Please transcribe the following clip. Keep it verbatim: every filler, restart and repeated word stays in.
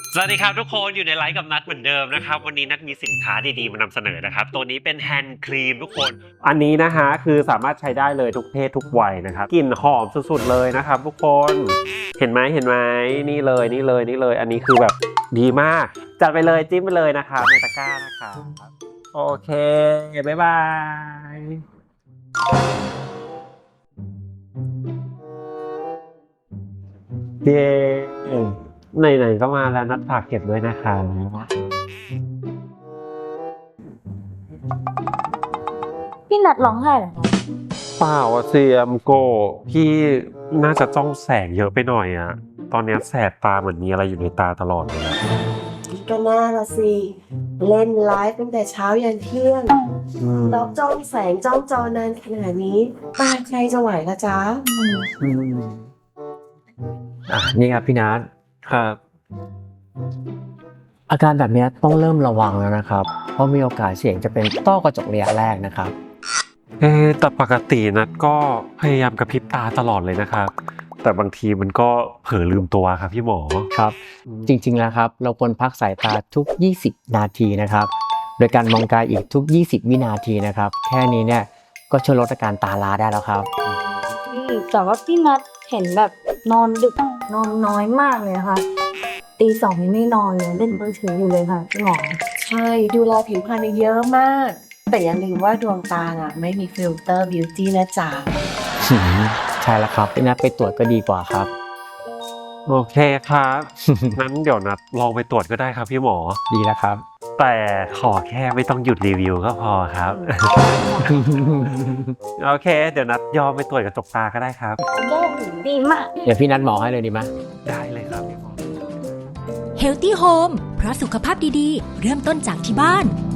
สวัสดีครับทุกคนอยู่ในไลฟ์กับนัดเหมือนเดิมนะครับวันนี้นัดมีสินค้าดีๆมานำเสนอนะครับตัวนี้เป็นแฮนด์ครีมทุกคนอันนี้นะฮะคือสามารถใช้ได้เลยทุกเพศทุกวัยนะครับกลิ่นหอมสุดๆเลยนะครับทุกคนเห็นไหมเห็นไหมนี่เลยนี่เลยนี่เลยอันนี้คือแบบดีมากจัดไปเลยจิ้มไปเลยนะครับในตะกร้านะครับโอเคบ๊ายบายเย้ไหนๆก็มาแล้วนัดฝากเก็บด้วยนะคะพี่นัดร้องไห้เหรอคะเปล่าอะเซียมโกพี่น่าจะจ้องแสงเยอะไปหน่อยอะตอนนี้แสบตาเหมือนมีอะไรอยู่ในตาตลอดเลยก็น่าละสิเล่นไลฟ์ตั้งแต่เช้ายันเที่ยงแล้วจ้องแสงจ้องจอนานขนาดนี้ตาใครจะไหวละจ๊ะอ่ะนี่ครับพี่นัทครับอาการแบบนี้ต้องเริ่มระวังแล้วนะครับเพราะมีโอกาสเสี่ยงจะเป็นต้อกระจกระยะแรกนะครับเอ๊แต่ปกตินัดก็พยายามกระพริบตาตลอดเลยนะครับแต่บางทีมันก็เผลอลืมตัวครับพี่หมอครับจริงๆแล้วครับเราควรพักสายตาทุกยี่สิบนาทีนะครับโดยการมองไกลอีกทุกยี่สิบวินาทีนะครับแค่นี้เนี่ยก็ช่วยลดอาการตาล้าได้แล้วครับแต่ว่าพี่นัดเห็นแบบนอนดึกนอนน้อยมากเลยนะคะตีสองยังไม่นอนเลยเล่นมือถืออยู่เลยค่ะพี่หมอใช่ดูแลผิวพรรณเยอะมากแต่อย่าลืมว่าดวงตาน่ะไม่มีฟิลเตอร์บิวตี้นะจ๊ะใช่แล้วครับพี่นัทไปตรวจก็ดีกว่าครับโอเคครับงั้นเดี๋ยวนัดลองไปตรวจก็ได้ครับพี่หมอดีแล้วครับแต่ขอแค่ไม่ต้องหยุดรีวิวก็พอครับโอเคเดี๋ยวนัดยอมไปตรวจกระจกตาก็ได้ครับดีมากเดี๋ยวพี่นัดหมอให้เลยดีไหมได้เลยครับพี่หมอ Healthy Home เพราะสุขภาพดีๆเริ่มต้นจากที่บ้าน